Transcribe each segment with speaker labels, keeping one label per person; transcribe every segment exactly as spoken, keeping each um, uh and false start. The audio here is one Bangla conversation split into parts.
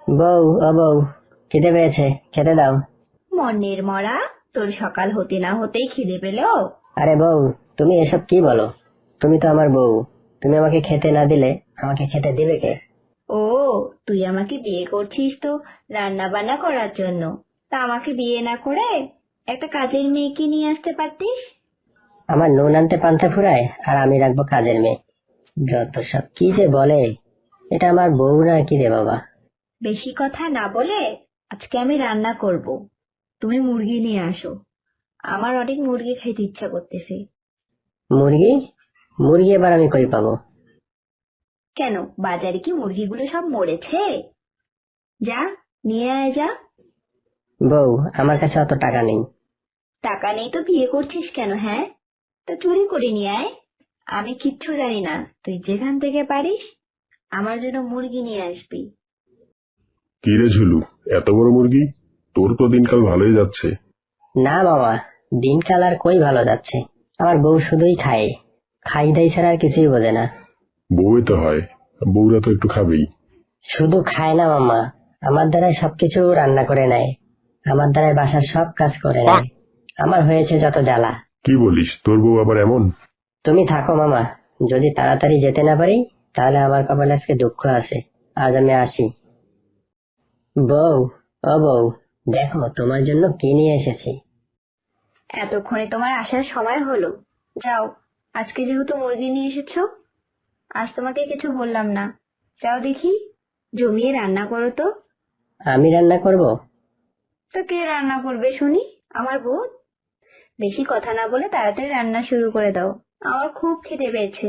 Speaker 1: বউ, ও বউ, খিদে পেয়েছে, খেতে দাও।
Speaker 2: মনের মরা, তোর সকাল হতে না হতেই খিদে পেল?
Speaker 1: আরে বউ, তুমি এসব কি বলো? তুমি তো আমার বউ। তুমি আমাকে খেতে না দিলে আমাকে খেতে দিবে কে?
Speaker 2: ও, তুই আমাকে বিয়ে করছিস তো রান্না বান্না করার জন্য। তা আমাকে বিয়ে না করে একটা কাজের মেয়েকে নিয়ে আসতে পারতিস।
Speaker 1: আমার নুন আনতে পান্তা ফুরায় আর আমি রাখবো কাজের মেয়ে? যত সব কি যে বলে। এটা আমার বউ না কি রে বাবা?
Speaker 2: বেশি কথা না বলে আজকে আমি রান্না করব। তুমি মুরগি নিয়ে আসো। আমার অনেক মুরগি খেতে ইচ্ছা করতেছে।
Speaker 1: মুরগি? মুরগি এবার আমি কই পাবো?
Speaker 2: কেন, বাজারে কি মুরগিগুলো সব মরেছে? যা, নিয়ে আয় যা।
Speaker 1: বউ, আমার কাছে অত টাকা নেই।
Speaker 2: টাকা নেই তো বিয়ে করছিস কেন? হ্যাঁ, তা চুরি করে নিয়ে আয়। আমি কিচ্ছু জানি না, তুই যেখান থেকে পারিস আমার জন্য মুরগি নিয়ে আসবি।
Speaker 3: কি রে ঝুলু, এত বড় মুরগি? তোর তো দিনকাল ভালোই যাচ্ছে।
Speaker 1: না বাবা, দিনকাল আর কই ভালো যাচ্ছে। আমার বউ শুধুই খায়, খাই দাই ছাড়া আর কিছুই বোঝে না।
Speaker 3: বউই তো হয়, বউরা তো একটু খাবেই।
Speaker 1: শুধু খায় না মামা, আমার দ্বারাই সবকিছু রান্না করে নেয়, আমার দ্বারাই বাসার সব কাজ করে নেয়। আমার হয়েছে যত জ্বালা।
Speaker 3: কি বলিস, তোর বউ আবার এমন?
Speaker 1: তুমি থাকো মামা, যদি তাড়াতাড়ি যেতে না পারি তাহলে আমার কপালে আজকে দুঃখ আছে। আজ আমি আসি। বউ, ও বউ, দেখো তোমার জন্য কি নিয়ে এসেছি।
Speaker 2: এতক্ষণে তোমার আসার সময় হলো। যাও, আজকে যেহেতু মুরগি নিয়ে এসেছো, আজ তোমাকে কিছু বললাম না। যাও দেখি, জমিয়ে রান্না করো তো।
Speaker 1: আমি রান্না করব?
Speaker 2: তো কে রান্না করবে শুনি? আমার বউ। বেশি কথা না বলে তাড়াতাড়ি রান্না শুরু করে দাও, আমার খুব খিদে পেয়েছে।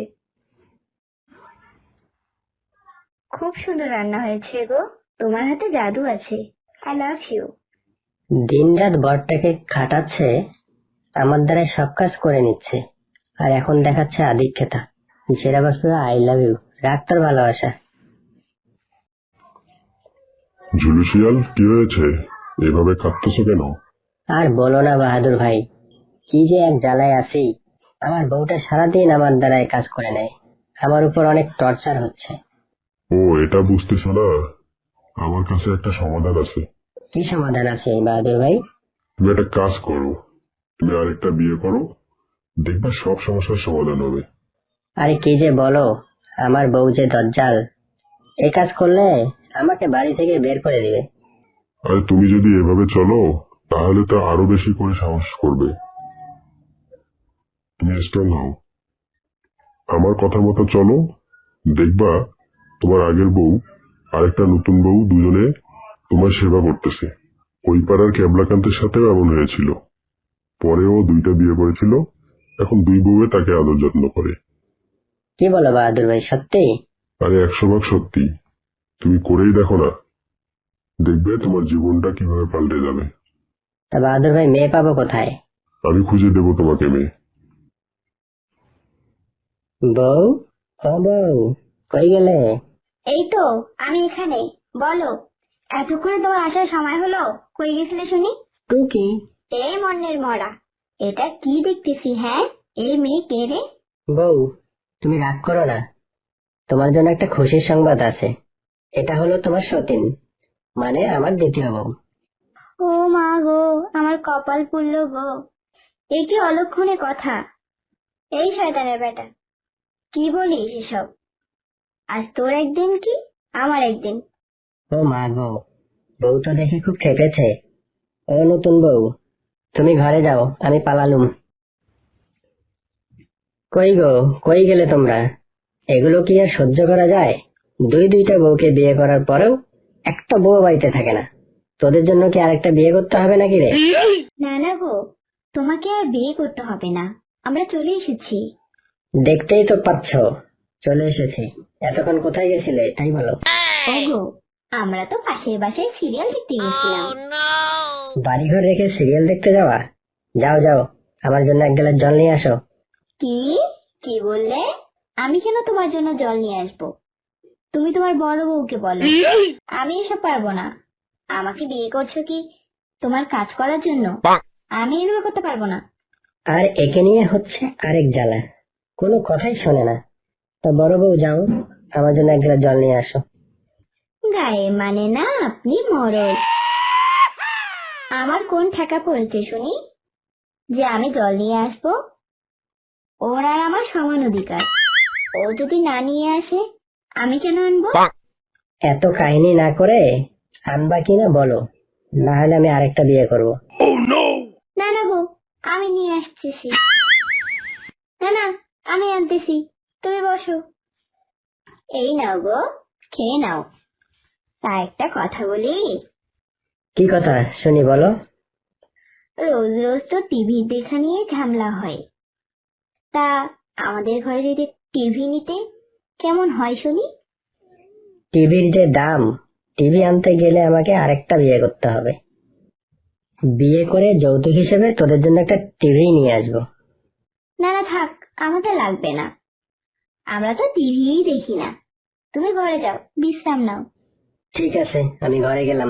Speaker 2: খুব সুন্দর রান্না হয়েছে গো, তোমার হাতে জাদু আছে। I love you.
Speaker 1: দিন রাত বরটাকে খাটাচ্ছে, আমার দ্বারা সব কাজ করে নিচ্ছে, আর এখন দেখাচ্ছে আদিক্ষেতা। সেরা বস্তু আই লাভ ইউ, রাগ তোর ভালোবাসা।
Speaker 3: ঝুলু শিয়াল, কি হয়েছে? এভাবে কাঁদতেছো কেন?
Speaker 1: আর বলো না বাহাদুর ভাই, কি যে এক জ্বালায় আছি। আমার বউটা সারাদিন আমার দ্বারাই কাজ করে নেয়, আমার উপর অনেক টর্চার হচ্ছে।
Speaker 3: ও, এটা বুঝতেছো না? আমার কাছে একটা সমাধান আছে।
Speaker 1: কি সমাধান আছে এই বাহাদুর ভাই?
Speaker 3: তুমি একটা কাজ করো, তুমি আরেকটা বিয়ে করো, দেখবা সব সমস্যার সমাধান হবে।
Speaker 1: আরে কি যে বলো, আমার বউ যে দজ্জাল, এই কাজ করলে আমাকে বাড়ি থেকে বের করে দিবে।
Speaker 3: আর তুমি যদি এভাবে চলো তাহলে তো আরো বেশি করে সাহস করবে। তুমি স্ট্রং হও, আমার কথা মতো চলো, দেখবা তোমার আগের বউ আরেকটা নতুন বউ দুজনে তোমার সেবা করতেছে। ওই পাড়ার ক্যাবলাকান্তের সাথেও এমন হয়েছিল, পরেও দুইটা বিয়ে করেছিল, এখন দুই বউয়ে তাকে আদর যত্ন করে।
Speaker 1: কি বলো বাহাদুর ভাই, সত্যি?
Speaker 3: আরে একশো ভাগ সত্যি, তুমি করেই দেখো না, দেখবে তোমার জীবনটা কিভাবে পাল্টে যাবে।
Speaker 1: তা বাহাদুর ভাই, মেয়ে পাবো কোথায়?
Speaker 3: আমি খুঁজে দেবো তোমাকে মেয়ে।
Speaker 1: বউ, ও বউ, কই গেলে?
Speaker 2: এই তো, আমি এখানে। বলো, এতক্ষণে তোমার আসার সময় হলো? কই গেছিলে শুনি?
Speaker 1: টুকি।
Speaker 2: এই মনের মরা, এটা কি দেখতেছি? হ্যাঁ, এই মেয়ে কে রে?
Speaker 1: বউ, তুমি রাগ করো না, তোমার জন্য একটা খুশির সংবাদ আছে। এটা হলো তোমার সতীন, মানে আমার দ্বিতীয় বউ।
Speaker 2: ও মা গো, আমার কপাল পুড়লো গো। এ কি অলক্ষণে কথা! এই শয়তানের বেটা, কি বলিস এসব? আজ তোর একদিন কি আমার একদিন।
Speaker 1: ও মা গো, বউ তো দেখে খুব খেপেছে। ও নতুন বউ, তুমি ঘরে যাও, আমি পালালুম। কই গো, কই গেলে তোমরা? এগুলো কি আর সহ্য করা যায়? দুই দুইটা বউকে বিয়ে করার পরেও একটা বউ বাড়িতে থাকে না। তোদের জন্য কি আরেকটা বিয়ে করতে হবে নাকি রে?
Speaker 2: না না গো, তোমাকে আর বিয়ে করতে হবে না, আমরা চলে এসেছি।
Speaker 1: দেখতেই তো পাচ্ছ, চলে এসেছি। এতক্ষণ কোথায় গেছিলে তাই বলো।
Speaker 2: ওগো, আমরা তো পাশের বাসায় সিরিয়াল দেখতে গেছিলাম।
Speaker 1: বাড়িঘর রেখে সিরিয়াল দেখতে যাওয়া? যাও যাও, আমার জন্য এক গ্লাস জল নিয়ে আসো।
Speaker 2: কি কি বললে? আমি কেন তোমার জন্য জল নিয়ে আসবো? তুমি তোমার বড় বউকে বলো। আমি এসব পারবো না। আমাকে বিয়ে করছো কি তোমার কাজ করার জন্য? আমি এগুলো করতে পারবো না।
Speaker 1: আর একে নিয়ে হচ্ছে আরেক জ্বালা, কোনো কথাই শোনে না। তা বড় বউ যাও, আমার জন্য এক গ্লাস জল নিয়ে আসো।
Speaker 2: গায়ে মানে না আপনি মরদ। আমার কোন ঠেকা পড়েছে শুনি যে আমি জল নিয়ে আসবো? ওর আর আমার সমান অধিকার। ও যদি না নিয়ে আসে আমি কেন আনবো?
Speaker 1: এত কাহিনী না করে আনবা কিনা বলো, না হলে আমি আরেকটা বিয়ে করব।
Speaker 2: না না গো, আমি নিয়ে আসতেছি। না না, আমি আনতেছি, তুমি বসো। এই নাও গো, খেয়ে নাও। তা একটা কথা বলি,
Speaker 1: কি কথা শুনি বলো।
Speaker 2: রোজ রোজ তো টিভি দেখা নিয়ে ঝামেলা হয়, তা আমাদের ঘরে যদি টিভি নিতে কেমন হয় শুনি?
Speaker 1: টিভির যে দাম, টিভি আনতে গেলে আমাকে আরেকটা বিয়ে করতে হবে। বিয়ে করে যৌতুক হিসেবে তোদের জন্য একটা টিভি নিয়ে আসবো।
Speaker 2: না না থাক, আমাদের লাগবে না, আমরা তো টিভিই দেখি না। তুমি ঘরে যাও, বিশ্রাম নাও।
Speaker 1: ঠিক আছে, আমি ঘরে গেলাম।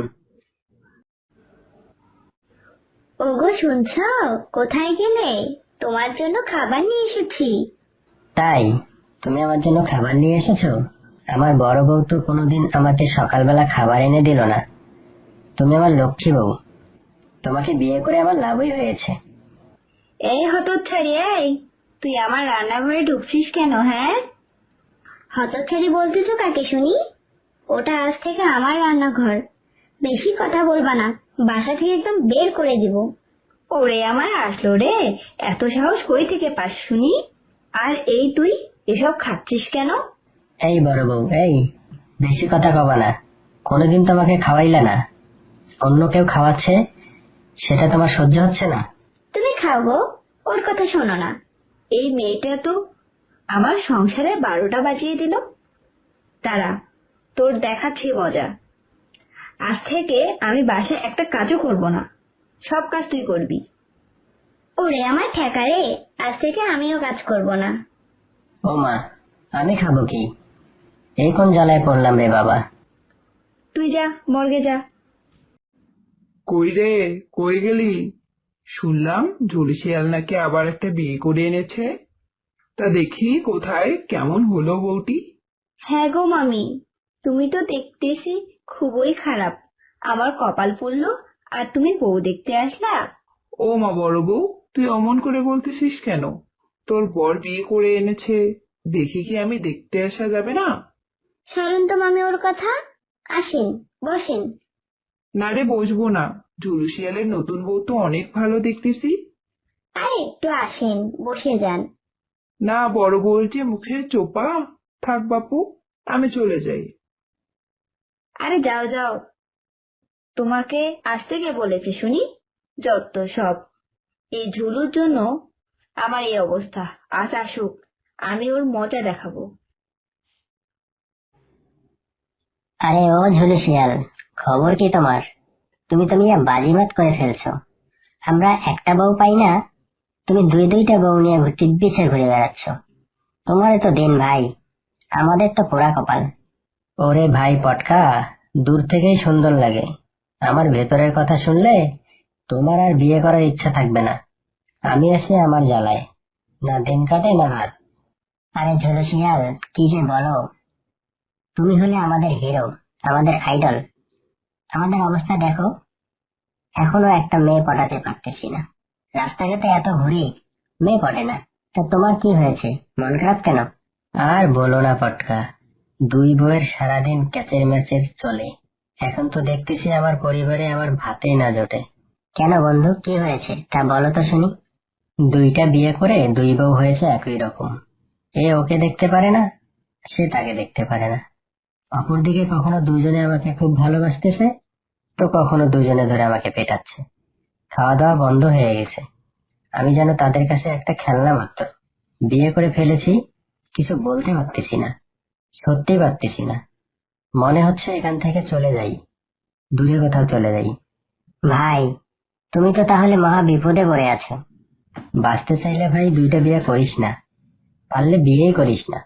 Speaker 2: ওগো শুনছো? কোথায় গেলে? তোমার জন্য খাবার নিয়ে এসেছি।
Speaker 1: তাই তুমি আমার জন্য খাবার নিয়ে এসেছো? আমার বড় বউ তো কোনোদিন আমাকে সকালবেলা খাবার এনে দিল না। তুমি আমার লক্ষ্মী বউ, তোমাকে বিয়ে করে আমার লাভই হয়েছে।
Speaker 2: এই হতচ্ছাড়ি, এই তুই আমার রান্নাঘরে ঢুকছিস কেন? হ্যাঁ, হতচ্ছাড়ি বলতেছো কাকে শুনি? ওটা আজ থেকে আমার রান্নাঘর। বেশি কথা বলবা না, বাসা থেকে একদম বের করে দিব। ওরে আমার আসলো রে, এত সাহস কই থেকে পাস শুনি? আর এই তুই এসব খাচ্ছিস কেন?
Speaker 1: এই বড় বউ, এই বেশি কথা কবা না। কোনোদিন তোমাকে খাওয়াইলে না, অন্য কেউ খাওয়াচ্ছে, সেটা তোমার সহ্য হচ্ছে না?
Speaker 2: তুমি খাও গো, ওর কথা শোনো না। এই মেয়েটা তো আমার সংসারে বারোটা বাজিয়ে দিল। তারা তোর দেখাচ্ছি মজা। আজ থেকে আমি বাসায় একটা কাজও করব না, সব কাজ তুই করবি। ওরে আমার ঠেকা রে, আজ থেকে আমিও কাজ করব না।
Speaker 1: ও মা, আমি খাবো কি? এই কোন জ্বালায় পড়লাম রে বাবা।
Speaker 2: তুই যা, মর্গে যা।
Speaker 4: কই রে, কই গেলি? শুনলাম ঝুলি শিয়াল নাকি আবার একটা বিয়ে করে এনেছে। তা দেখি কোথায়, কেমন হলো বউটি?
Speaker 2: হ্যাঁ গো মামি, তুমি তো দেখতেছি খুবই খারাপ। আমার কপাল পুড়লো আর তুমি বউ দেখতে আসলা।
Speaker 4: ও মা বড় বউ, তুই অমন করে বলতেছিস কেন? তোর বর বিয়ে করে এনেছে, দেখি কি আমি দেখতে আসা যাবে না?
Speaker 2: ছাড়ুন তো মামি ওর কথা, আসেন বসেন।
Speaker 4: না রে, বসবো না। ঝুলু শিয়ালের নতুন বউ তো অনেক ভালো দেখতেছি।
Speaker 2: আর একটু আসেন, বসে যান।
Speaker 4: না, বড় বউয়ের যে মুখে চোপা। থাক বাপু, আমি চলে যাই।
Speaker 2: আরে যাও যাও, তোমাকে আসতে কে বলেছে শুনি? যত সব, এই ঝুলুর জন্য আমার এই অবস্থা। আজ আসুক, আমি ওর মজা দেখাবো।
Speaker 1: আরে ও ঝুলি শিয়াল, খবর কি তোমার? তুমি তো মিয়া বাজিমাত করে ফেলছো। আমরা একটা বউ পাই না, তুমি দুই দুইটা বউ নিয়ে চিব্বিছে ঘুরে বেড়াচ্ছ। তোমার তো দিন ভাই, আমাদের তো পোড়া কপাল। ওরে ভাই পটকা, দূর থেকেই সুন্দর লাগে। আমার ভেতরের কথা শুনলে তোমার আর বিয়ে করার ইচ্ছা থাকবে না। আমি আসি আমার জ্বালায়, না দিন কাটে না রাত। আরে ঝুলু শিয়াল, কি যে বলো। তুমি হলে আমাদের হিরো, আমাদের আইডল। আমাদের অবস্থা দেখো, এখনো একটা মেয়ে পটাতে পারতেছি না। রাস্তাঘাটে এত ঘুরি, মেয়ে পটে না। তা তোমার কি হয়েছে, মন খারাপ কেন? আর বলো না পটকা, দুই বউয়ের সারাদিন ক্যাচের ম্যাচের চলে। এখন তো দেখতেছি আমার পরিবারে আমার ভাতেই না জোটে। কেন বন্ধু, কি হয়েছে তা বলো তো শুনি। দুইটা বিয়ে করে দুই বউ হয়েছে একই রকম। এ ওকে দেখতে পারে না, সে তাকে দেখতে পারে না। অপরদিকে কখনো দুজনে আমাকে খুব ভালোবাসতেছে, তো কখনো দুজনে ধরে আমাকে পেটাচ্ছে। খাওয়া দাওয়া বন্ধ হয়ে গেছে, আমি যেন তাদের কাছে একটা খেলনা মাত্র। বিয়ে করে ফেলেছি, কিছু বলতে পারতেছি না, সত্যি পারতেছি না। মনে হচ্ছে এখান থেকে চলে যাই, দূরে কোথাও চলে যাই। ভাই, তুমি তো তাহলে মহা বিপদে পড়ে আছো। বাঁচতে চাইলে ভাই দুইটা বিয়ে করিস না, পারলে বিয়েই করিস না।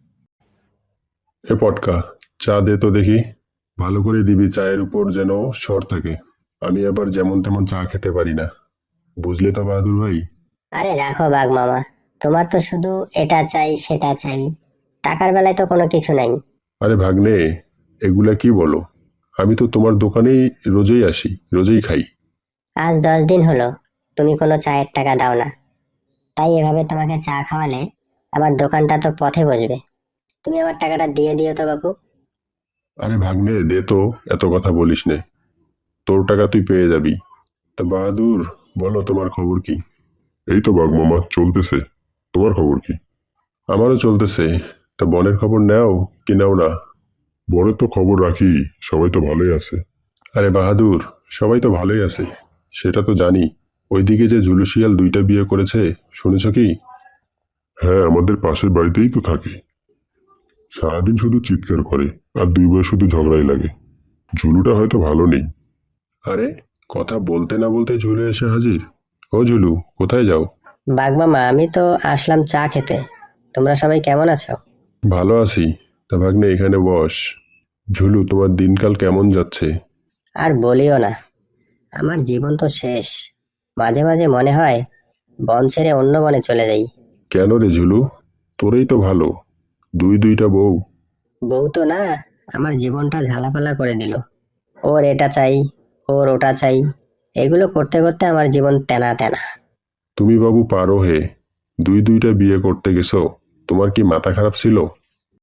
Speaker 3: এ পটকা, চা দে তো দেখি। ভালো করে দিবি, চায়ের উপর যেন সর থাকে। আমি আবার যেমন তেমন চা খেতে পারি না, বুঝলে তো বাহাদুর ভাই।
Speaker 1: আরে রাখো বাঘ মামা, তোমার তো শুধু এটা চাই সেটা চাই, টাকার বেলায় তো কোনো কিছু নাই।
Speaker 3: আরে ভাগ্নে, এগুলা কি বলো? আমি তো তোমার দোকানেই রোজই আসি, রোজই খাই।
Speaker 1: আজ দশ দিন হলো তুমি কোনো চায়ের টাকা দাও না, তাই এভাবে তোমাকে চা খাওয়ালে আমার দোকানটা তো পথে বসবে। তুমি আমার টাকাটা দিয়ে দিও তো বাবু।
Speaker 3: আরে ভাগ্নে, দে তো, এত কথা বলিস নে। তোর টাকা তুই পেয়ে যাবি। তা বাহাদুর, বলো তোমার খবর কি? এই তো বাঘ মামা, চলতেছে। তোমার খবর কি? আমারও চলতেছে। তা বনের খবর নেও কি নাও না? বনের তো খবর রাখি, সবাই তো ভালোই আছে। আরে বাহাদুর, সবাই তো ভালোই আছে, সেটা তো জানি। ওইদিকে যে জুলুশিয়াল দুইটা বিয়ে করেছে, শুনেছ কি? হ্যাঁ, আমাদের পাশের বাড়িতেই তো থাকে। সারাদিন শুধু চিৎকার করে, আর দুই বয়স শুধু ঝগড়াই লাগে। ঝুলুটা হয়তো ভালো নেই। আরে, কথা বলতে না বলতে ঝুলু এসে হাজির। ও ঝুলু, কোথায় যাও?
Speaker 1: বাগমামা, আমি তো আসলাম চা খেতে। তোমরা সবাই কেমন আছো?
Speaker 3: ভালো আছি। তা ভাগ্নে, এখানে বস। ঝুলু, তোমার দিনকাল কেমন যাচ্ছে?
Speaker 1: আর বলিও না, আমার জীবন তো শেষ। মাঝে মাঝে মনে হয় বন ছেড়ে অন্য বনে চলে যাই।
Speaker 3: কেন রে ঝুলু? তোরেই তো ভালো, দুই দুইটা বউ।
Speaker 1: বউ তো না, আমার জীবনটা ঝালাপালা করে দিল। ওর এটা চাই, ওর ওটা চাই, এগুলো করতে করতে আমার জীবন তেনা তেনা।
Speaker 3: তুমি বাবু পারো হে, দুই দুইটা বিয়ে করতে গেছো? তোমার কি মাথা খারাপ ছিল?